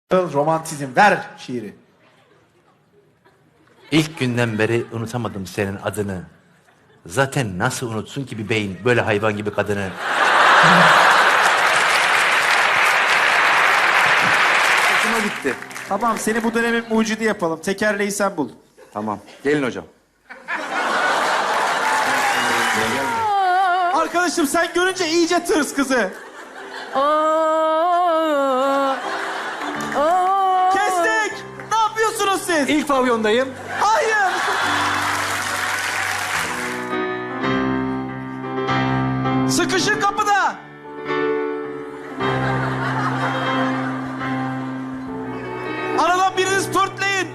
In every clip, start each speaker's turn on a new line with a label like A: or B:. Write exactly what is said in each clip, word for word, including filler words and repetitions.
A: Romantizm. Ver şiiri.
B: İlk günden beri unutamadım senin adını. Zaten nasıl unutsun ki bir beyin böyle hayvan gibi kadını?
C: Hoşuma gitti.
A: Tamam, seni bu dönemin mucidi yapalım. Tekerleği sen bul.
C: Tamam. Gelin hocam.
A: Arkadaşım sen görünce iyice tırs kızı. Kestik. Ne yapıyorsunuz siz?
C: İlk pavyondayım.
A: Hayır. Sıkışın kapıda. Aradan biriniz törtleyin.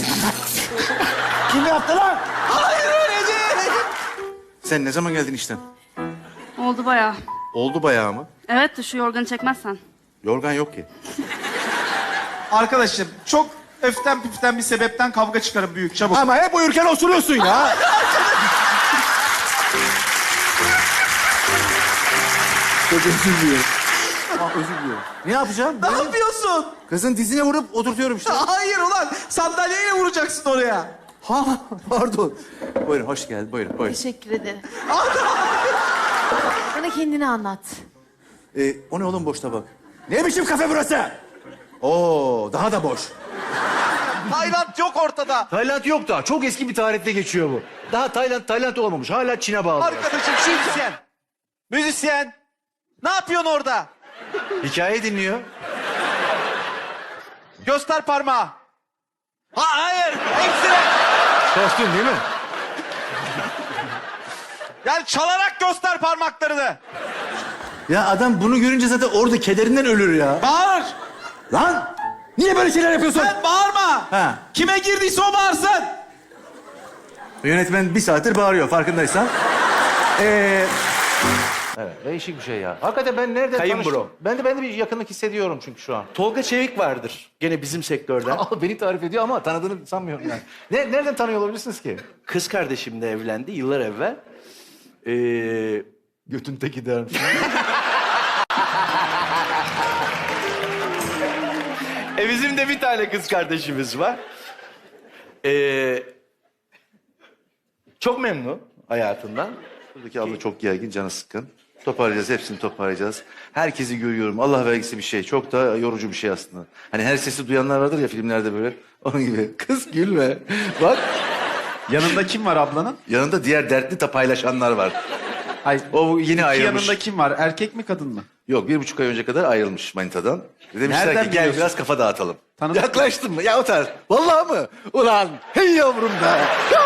C: Kim yaptı lan?
A: Hayır öyle değil.
C: Sen ne zaman geldin işten?
D: Oldu bayağı.
C: Oldu bayağı mı?
D: Evet de şu yorganı çekmezsen.
C: Yorgan yok ki.
A: Arkadaşım çok öften püften bir sebepten kavga çıkarın büyük çabuk.
C: Ama hep uyurken osuruyorsun ya. Çok özür diliyorum. Ah, özür diliyorum. Ne yapacağım?
A: Ne yapıyorsun?
C: Kızın dizine vurup oturtuyorum işte.
A: Hayır ulan sandalyeyle vuracaksın oraya.
C: Ha, pardon. Buyurun, hoş geldin. Buyurun, buyurun.
E: Teşekkür ederim. Bana kendini anlat.
C: Ee, o ne oğlum boş tabak? Ne biçim kafe burası? Oo, daha da boş.
A: Tayland yok ortada.
F: Tayland yok daha. Çok eski bir tarihte geçiyor bu. Daha Tayland Tayland olmamış. Hala Çin'e bağlı.
A: Arkadaşım müzisyen. Müzisyen. Ne yapıyorsun orada?
F: Hikaye dinliyor.
A: Göster parmağı. Ha, hayır. Eksire.
F: Kostüm değil mi?
A: Yani çalarak göster parmaklarını.
F: Ya adam bunu görünce zaten orada kederinden ölür ya.
A: Bağır.
F: Lan! Niye böyle şeyler yapıyorsun?
A: Sen bağırma.
F: Ha.
A: Kime girdiyse o bağırsın.
F: Yönetmen bir saattir bağırıyor farkındaysan. Ee... Evet, değişik bir şey ya. Hakikaten ben nereden
B: Kayın
F: tanıştım?
B: bro.
F: Ben de ben de bir yakınlık hissediyorum çünkü şu an.
B: Tolga Çevik vardır gene bizim sektörden.
F: Aa, beni tarif ediyor ama tanıdığını sanmıyorum yani. Ne, nereden tanıyor olabilirsiniz ki?
B: Kız kardeşimle evlendi yıllar evvel. Ee,
F: Götün teki dermiş.
B: e bizim de bir tane kız kardeşimiz var. Ee, çok memnun hayatından.
C: Buradaki abla çok gergin, canı sıkkın. Toparlayacağız, hepsini toparlayacağız. Herkesi görüyorum. Allah vergisi bir şey. Çok da yorucu bir şey aslında. Hani her sesi duyanlar vardır ya filmlerde böyle. Onun gibi. Kız gülme. Bak.
A: Yanında kim var ablanın?
C: Yanında diğer dertli de paylaşanlar var.
A: Hayır.
C: O yeni ayrılmış.
A: Yanında kim var? Erkek mi kadın mı?
C: Yok, bir buçuk ay önce kadar ayrılmış manitadan. Demişler
A: Nereden
C: ki gel
A: biliyorsun?
C: biraz kafa dağıtalım.
A: Tanıdık mı?
C: Yaklaştın mı? Ya o tarz. Vallahi mı? Ulan hey yavrum be.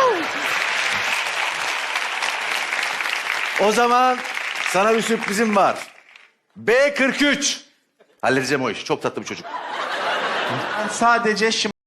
C: O zaman sana bir sürprizim var. B kırk üç. Halledeceğim o işi. Çok tatlı bir çocuk.
A: Ben sadece şım